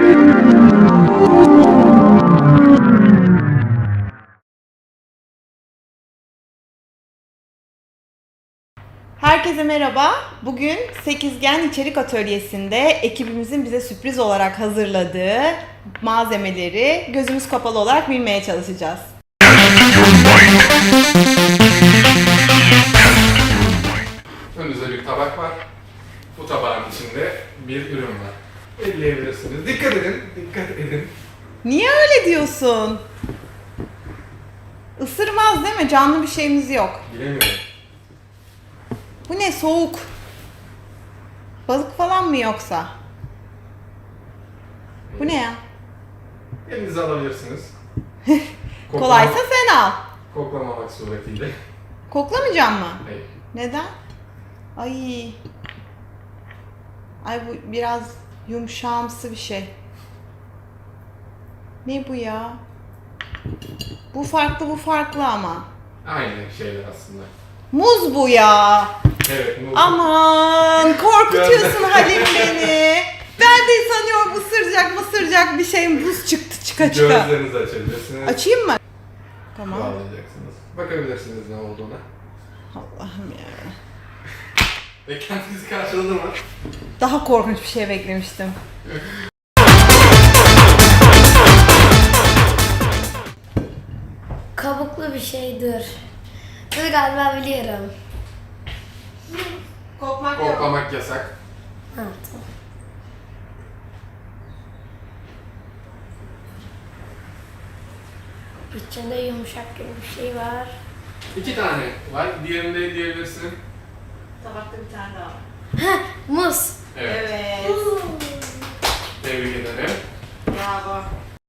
Herkese merhaba. Bugün Sekizgen İçerik Atölyesi'nde ekibimizin bize sürpriz olarak hazırladığı malzemeleri gözümüz kapalı olarak bilmeye çalışacağız. Önünüzde bir tabak var. Bu tabağın içinde bir ürün var. Elleyebilirsiniz. Dikkat edin, dikkat edin. Niye öyle diyorsun? Isırmaz değil mi? Canlı bir şeyimiz yok. Bilemiyorum. Bu ne? Soğuk. Balık falan mı yoksa? Bu ne ya? Elinize alabilirsiniz. Kolaysa sen al. Koklamamak suretiyle. Koklamayacağım mı? Hayır. Neden? Ay. Ay bu biraz yumuşağımsı bir şey. Ne bu ya? Bu farklı, bu farklı ama. Aynı şeyler aslında. Muz bu ya. Evet, muz. Aman korkutuyorsun Halim beni. Ben de sanıyorum ısıracak bir şey, buz çıktı çıka. Gözlerinizi açabilirsiniz. Açayım mı? Tamam. Bağlayacaksınız. Bakabilirsiniz ne olduğuna. Allah'ım ya. Beklentinizi karşıladı mı? Daha korkunç bir şey beklemiştim. Kabuklu bir şeydir. Bunu galiba biliyorum. Kokmak yok. Koklamak yasak. Ha, tamam. İçinde yumuşak gibi bir şey var. 2 tane var. Diğerini de diyebilirsin. Tabakta bir tane daha var. Ha, muz. Evet. Evet. Tebrik ederim. Bravo.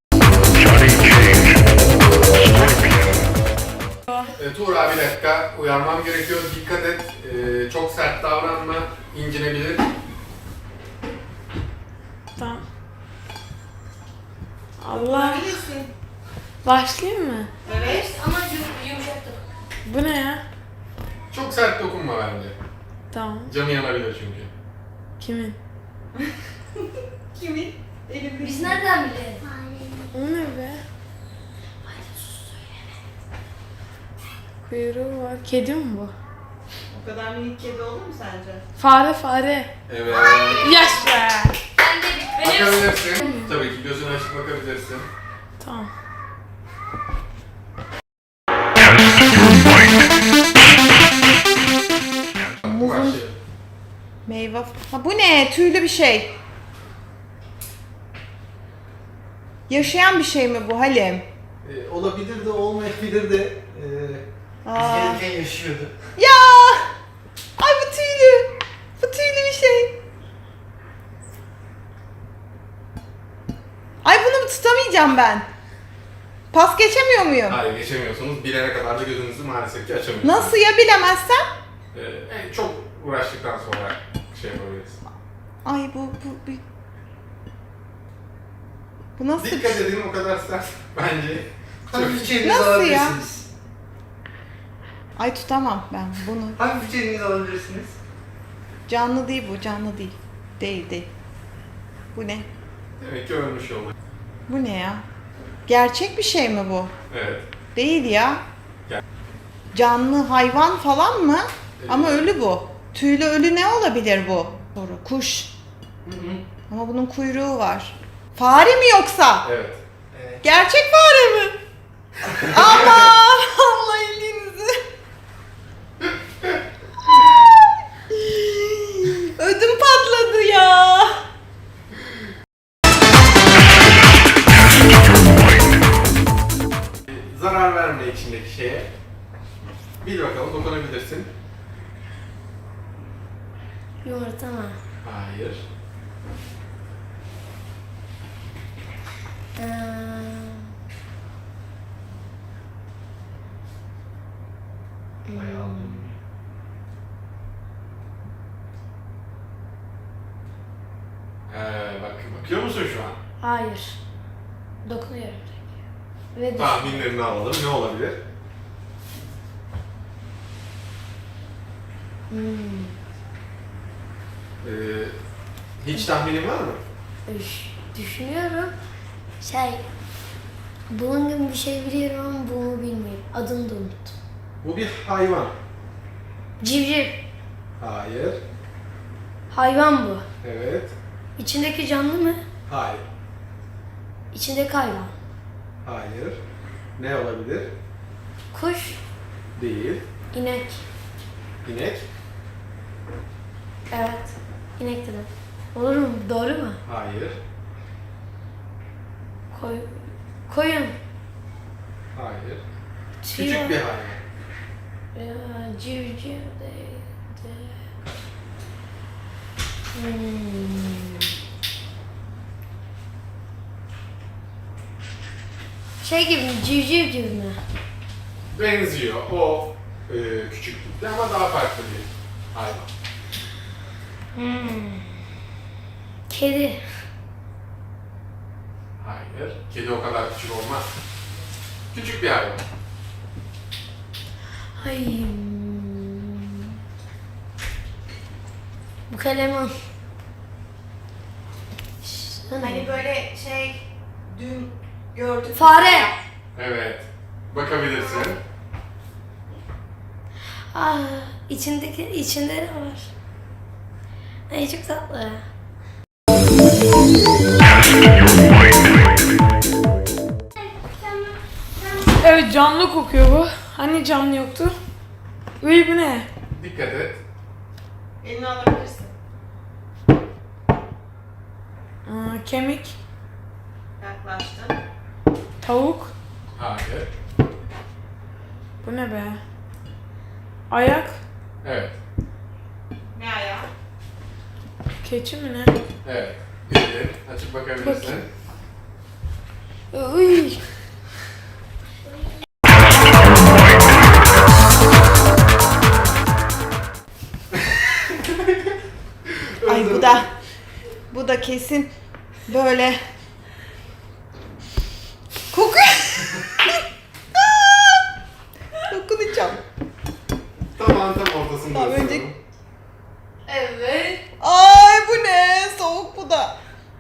Tuğra bir dakika. Uyarmam gerekiyor. Dikkat et. Çok sert davranma. İncinebilir. Tamam. Allah. Bilirsin. Başlayayım mı? Evet. Ama yumuşaktır. Bu ne ya? Çok sert dokunma bence. Tamam. Canı yanabilir çünkü. Kimin? Kimin? Elimde. Biz nereden bilelim? O ne be? Kuyruğu var. Kedi mi bu? O kadar minik kedi olur mu sence? Fare. Evet. Yaş be. Ben de Bakabilirsin. Tabii ki gözünü açıp bakabilirsin. Tamam. Başlayalım. Meyve. Ha bu ne? Tüylü bir şey. Yaşayan bir şey mi bu Halim? Olabilir de olmayabilir de biz Aa. gelirken yaşıyordu. Ya! Ay bu tüylü. Bu tüylü bir şey. Ay bunu tutamayacağım ben. Pas geçemiyor muyum? Hayır geçemiyorsunuz. Bilene kadar da gözünüzü maalesef ki açamıyorsunuz. Nasıl ya bilemezsem? Çok uğraştıktan sonra şey yapabiliriz. Ay bu nasıl bir Dikkat şey? edin o kadar sert bence. Hafifçe elinize Nasıl ya? alabilirsiniz. Ay tutamam ben bunu. Hafifçe elinize alabilirsiniz. Canlı değil bu, canlı değil. Değil. Bu ne? Demek ki ölmüş oldu. Bu ne ya? Gerçek bir şey mi bu? Evet. Değil ya. Gel. Canlı hayvan falan mı? Evet. Ama ölü bu. Tüylü ölü ne olabilir bu? Doğru. Kuş. Hı hı. Ama bunun kuyruğu var. Fare mi yoksa? Evet. Evet. Gerçek fare mi? Aman Allah elinizi. Ödüm patladı ya. Zarar verme içindeki şeye. Bil bakalım dokunabilirsin. Yumurta mı? Hayır. Bayağı aldım. Bakıyor musun şu an? Hayır. Dokunuyorum tek. Ve Tahminlerini alalım. Ne olabilir? Hiç tahminin var mı? Üş. Düşünüyorum. Bunun gibi bir şey biliyorum ama bunu bilmiyorum. Adını da unuttum. Bu bir hayvan. Civciv. Hayır. Hayvan bu. Evet. İçindeki canlı mı? Hayır. İçindeki hayvan. Hayır. Ne olabilir? Kuş. Değil. İnek. İnek. Evet. İnek dedim. Olur mu? Doğru mu? Hayır. Koyun. Hayır. Tüy. Küçük bir hayvan. Civciv değil. Şey gibi mi? Civciv gibi mi? Benziyor. O küçüklükte ama daha farklı bir hayvan. Kedi. Hayır. Kedi o kadar küçük olmaz. Küçük bir hayvan. Ay. Bu kaleman. Hani böyle dün gördük. Fare. Evet. Bakabilirsin. İçinde ne var? Ay çok tatlı. Evet canlı kokuyor bu. Hani canlı yoktu? Uy bu ne? Dikkat et. Elini alabilirsin. Kemik, Yaklaştın. tavuk. Hayır. Bu ne be? Ayak, Evet. Ne ayağı? keçi mi ne? Evet. Bildin. Açıp bakabilirsin. Uy. Ay bu da kesin böyle kokuyor. Dokunacağım. Tam ortasında. Tamam, önce- ısıralım. Evet. Ay bu ne? Soğuk bu da.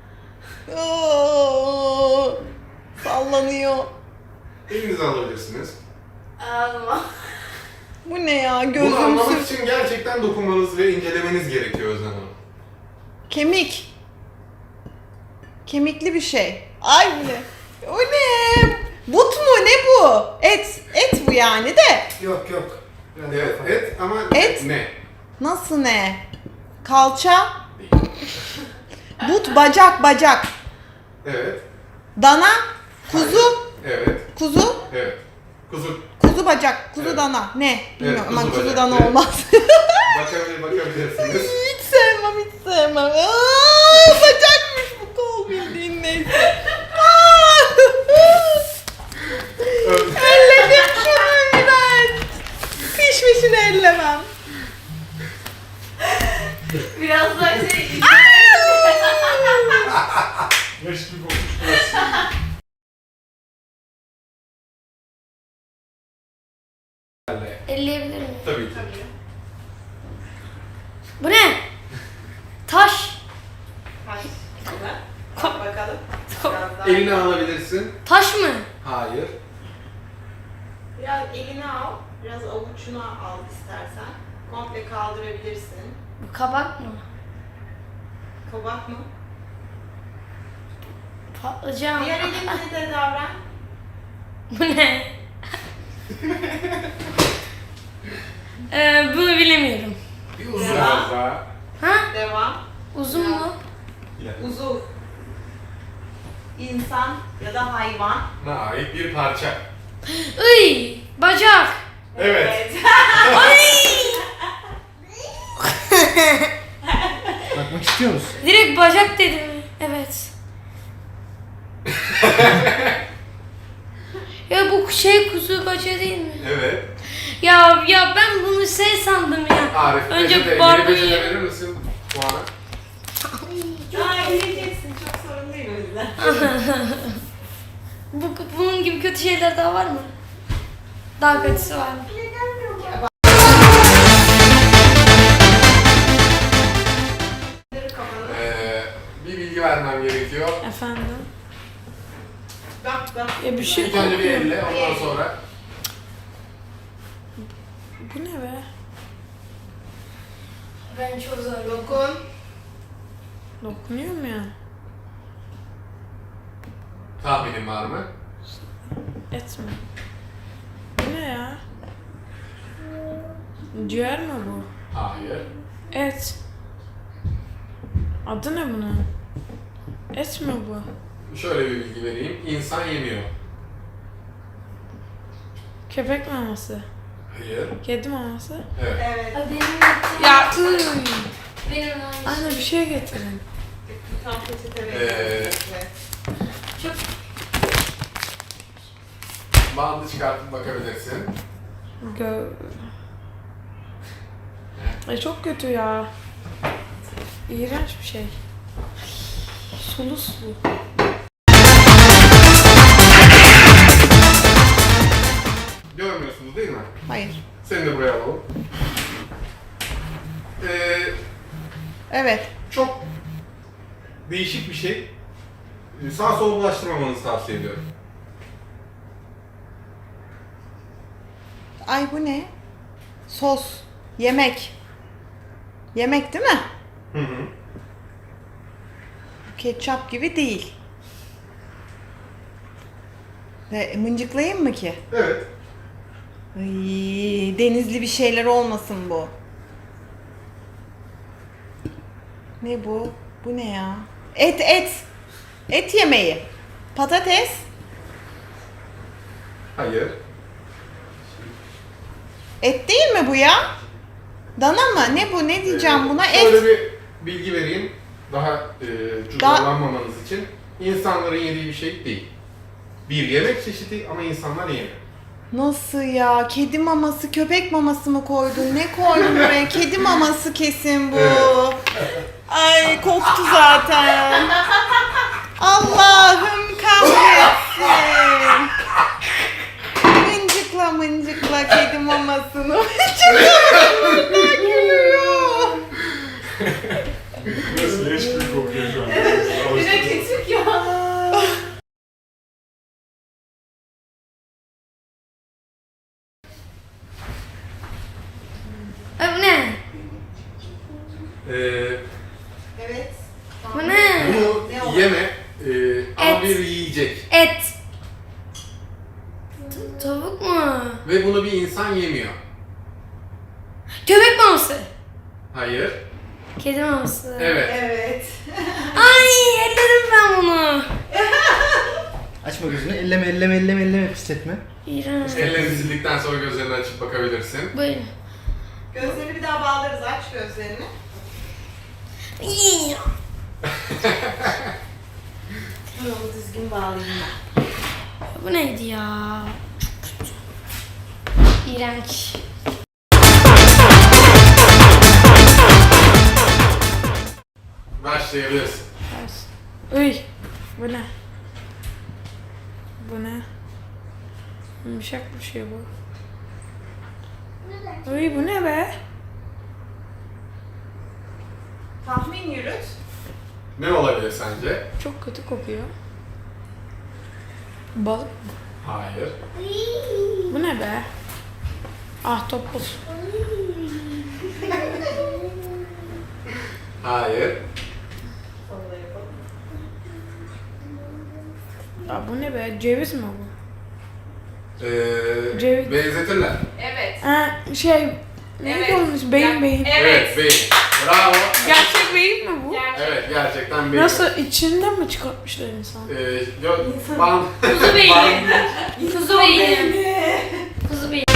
Oo, sallanıyor. Elinizi alabilirsiniz. Ağzıma. Bu ne ya? Bunu Gözüm anlamak sür. için gerçekten dokunmanız ve incelemeniz gerekiyor Özlem Hanım. Kemik. Kemikli bir şey. Ay bu ne? O ne? But mu? Ne bu? Et. Et bu yani de. Yok. Biraz Evet, daha et ama Et? ne? Nasıl ne? Kalça. Değil. But, bacak. Evet, Dana. Kuzu. evet, Kuzu. evet. Kuzu Kuzu bacak. Kuzu Evet. dana. Ne? Bilmiyorum kuzu ama kuzu bacak. dana Evet. olmaz. bakabilirsiniz. Hiç sevmem. Aa, bacakmış bu kol bildiğin neyse. Aa! Elledim şunu ben. Pişmişini ellemem. Biraz daha Leş gibi olmuş burası. elleyebilir miyim? Tabii ki. Bu ne? Taş. Bakalım. Elini alabilirsin. Taş mı? Hayır. Biraz elini al. Biraz avucuna al istersen. Komple kaldırabilirsin. Bu kabak mı? Kabak mı? Patlıcan. Diğer elinle de davran. Bu ne? Bunu bilemiyorum. Bir uzun Devam. biraz daha. Ha? Devam. Uzun mu? Uzuv. İnsan ya da hayvan. Ne ait bir parça. Iy, bacak. Evet. Bakmak istiyor musun? Direkt bacak dedim. Evet. Ya bu kuzu bacağı değil mi? Evet. Ya ben bunu sandım ya. Arif, Önce peçete, barbuyu- peçete verir misin puanı? Yiyeceksin, çok sorun değil o yüzden. Bunun gibi kötü şeyler daha var mı? Daha kötüsü var mı? Bir bilgi vermem gerekiyor. Efendim? Bak. Ya bir şey İlk önce bir kokuyor. elle, ondan sonra Bu ne be? Ben çok zor. Dokun. Dokunuyor mu ya? tahminin var mı? Et mi? Bu ne ya? Ciğer mi bu? Hayır. Et. Adı ne bunun? Et mi bu? Şöyle bir bilgi vereyim. İnsan yemiyor. Köpek maması. Hayır. Kedi maması. Evet. Evet. Benim gittiğim... Ya Benim aynı. Anne bir şey getirin. Tam peçete Ee, verelim. Çok... Bandı çıkartıp bakabilirsin. Gö... Ay çok kötü ya. İğrenç bir şey. Sulu sulu. Görmüyorsunuz değil mi? Hayır. Seni de buraya alalım. Evet. Çok değişik bir şey. Sağa sola bulaştırmamanızı tavsiye ediyorum. Ay bu ne? Sos. Yemek. Yemek değil mi? Hı hı. Ketçap gibi değil. Mıncıklayayım mı ki? Evet. Ay, denizli bir şeyler olmasın bu. Ne bu? Bu ne ya? Et. Et yemeği. Patates. Hayır. Et değil mi bu ya? Dana mı? Ne bu? Ne diyeceğim buna? Şöyle Et. bir bilgi vereyim. Daha cüzdanlanmamanız için. İnsanların yediği bir şey değil. Bir yemek çeşidi ama insanlar yemiyor. Nasıl ya? Kedi maması, köpek maması mı koydun? Ne koydun buraya? Kedi maması kesin bu. Evet. Ay koktu zaten. Allah'ım kahretsin. Mıncıkla kedi mamasını. Mıncıkla gülüyor. Nasıl leş gibi kokuyor şu an. Bir de küçük ya. Ay bu ne? Evet. Bu ne? Bunu Ne o? yeme ama Et. bir yiyecek. Et. Tavuk mu? Ve bunu bir insan yemiyor. Köpek maması. Hayır. Kedi maması. Evet. Evet. Ay elledim ben bunu. Açma gözünü. Elleme pisletme. İğrenç. Ellerini sildikten sonra gözlerini açıp bakabilirsin. Buyurun. Gözlerini bir daha bağlarız. Aç gözlerini. İyi. Bunu düzgün bağlayayım. Bu neydi ya? Çok kötü. İğrenç. Başlayabilirsin. Uy. Bu ne? Bu ne? Yumuşak bir şey bu. Uy bu ne be? Tahmin yürüt. Ne olabilir sence? Çok kötü kokuyor. Balık mı? Hayır. Bu ne be? Ahtapot. Hayır. Ya bu ne be? Ceviz mi bu? Ceviz. Benzetirler. Evet. Ha şey... Neydi Evet. onun ismi? Beyin. Evet, beyin. Bravo. Gerçek beyin mi bu? Evet, gerçekten beyin. Nasıl içinden mi çıkartmışlar insan? Yok, band. Kuzu beyni. Band- Kuzu beyni. Kuzu beyni.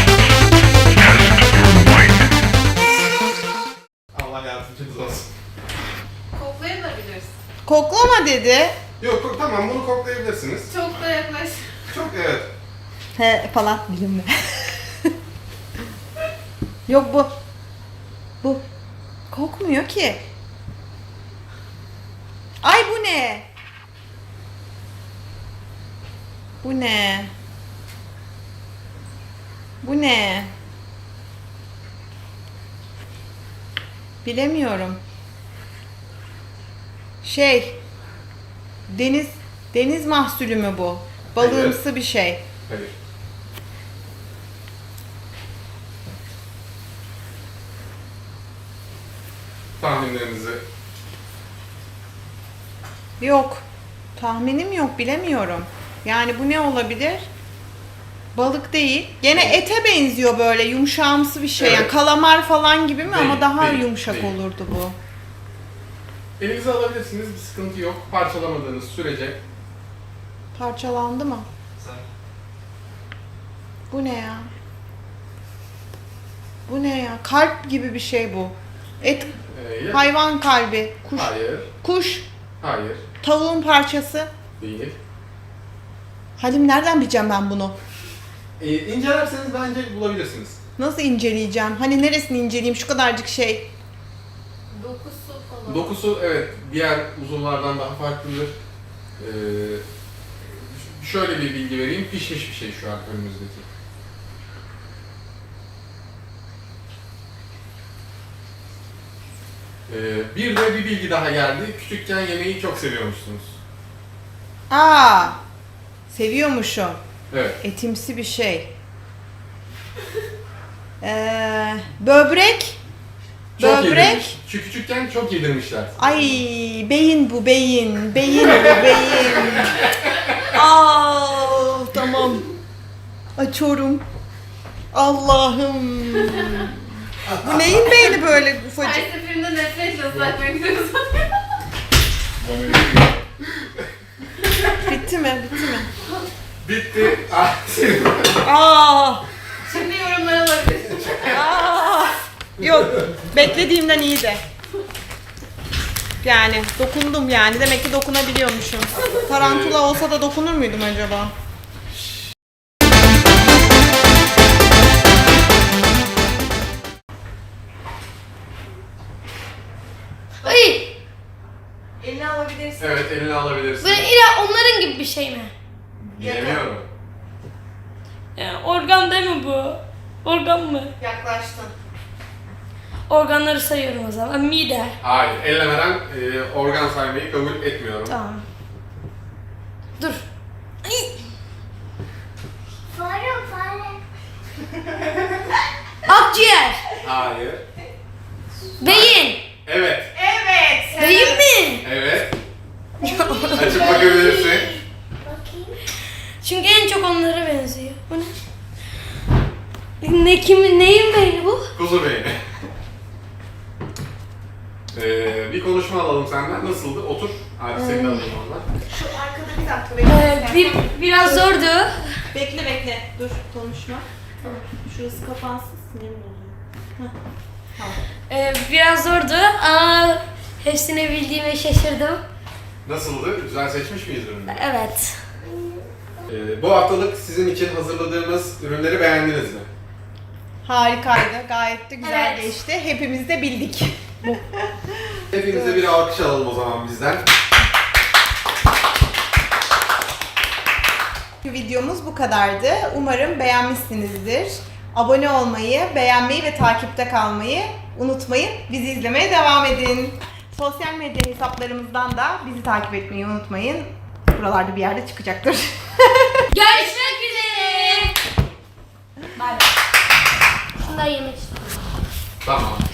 Allah yardımcınız olsun. Koklayabilirsin. Koklama dedi. Yok, tamam bunu koklayabilirsiniz. Çok da yaklaş. Çok evet. He falan dilimle. Yok bu. Bu. Kokmuyor ki. Ay bu ne? Bu ne? Bu ne? Bilemiyorum. Şey. Deniz mahsulü mü bu? Balığımsı bir şey. Hayır. Tahminlerinizi Yok. Tahminim yok, bilemiyorum. Yani bu ne olabilir? Balık değil. Gene ete benziyor, böyle yumuşağımsı bir şey. Yani Evet. kalamar falan gibi mi? Değil, Ama daha değil, yumuşak değil. olurdu bu. elinize alabilirsiniz, bir sıkıntı yok. Parçalamadığınız sürece. Parçalandı mı? Bu ne ya? Bu ne ya? Kalp gibi bir şey bu. Et, hayvan kalbi, kuş, Hayır, kuş, hayır, tavuğun parçası. değil. Halim, nereden bileceğim ben bunu? İncelerseniz bence bulabilirsiniz. Nasıl inceleyeceğim? Hani neresini inceleyeyim? Şu kadarcık şey. Dokusu falan. Dokusu evet diğer uzuvlardan daha farklıdır. Şöyle bir bilgi vereyim, pişmiş bir şey şu an önümüzdeki. Bir de bir bilgi daha geldi. Küçükken yemeği çok seviyormuşsunuz. Aa! Seviyormuşum. Evet. Etimsi bir şey. Böbrek. Çok Böbrek. yedirmiş. Şu küçükken çok yedirmişler. Ay, beyin bu, beyin. Beyin bu, beyin. Aa, tamam. Açıyorum. Allah'ım. Bu neyin beyni böyle Her ufacık? seferinde nefretle uzatmak istiyoruz. Bitti mi? Bitti mi? Bitti. Aa! Şimdi yorumlara alabilirsiniz. Aa! Yok, beklediğimden iyiydi. Yani dokundum yani. Demek ki dokunabiliyormuşum. Tarantula olsa da dokunur muydum acaba? Ay! Elini alabilirsin. Evet, eline alabilirsin. Böyle ila onların gibi bir şey mi? Bilemiyorum. Yani organ değil mi bu? Organ mı? Yaklaştın. Organları sayıyorum o zaman. Mide. Hayır, ellemeden organ saymayı kabul etmiyorum. Tamam. Dur. Ay! Fare. Akciğer. Hayır. Beyin. Evet. Evet. Beyin mi? Evet. Açıp bakabilirsin. Bakayım. Çünkü en çok onlara benziyor. Bu ne? Neyin beyni bu? Kuzu beyni. Bir konuşma alalım senden. Nasıldı? Otur. Hadi seni de alayım oradan. Şu arkada bir dakika bekle. Biraz zordu. Bekle. Dur, konuşma. Tamam. Şurası kapansın, sinirim oluyor. Biraz zordu ama hepsini bildiğime şaşırdım. Nasıldı? Güzel seçmiş miyiz ürünleri? Evet. Bu haftalık sizin için hazırladığımız ürünleri beğendiniz mi? Harikaydı. Gayet de güzel Evet. geçti. Hepimiz de bildik. Hepinize bir alkış alalım o zaman bizden. Videomuz bu kadardı. Umarım beğenmişsinizdir. Abone olmayı, beğenmeyi ve takipte kalmayı unutmayın. Bizi izlemeye devam edin. Sosyal medya hesaplarımızdan da bizi takip etmeyi unutmayın. Buralarda bir yerde çıkacaktır. Görüşmek üzere. Bay bay. Şunları yemek istiyorum. Tamam.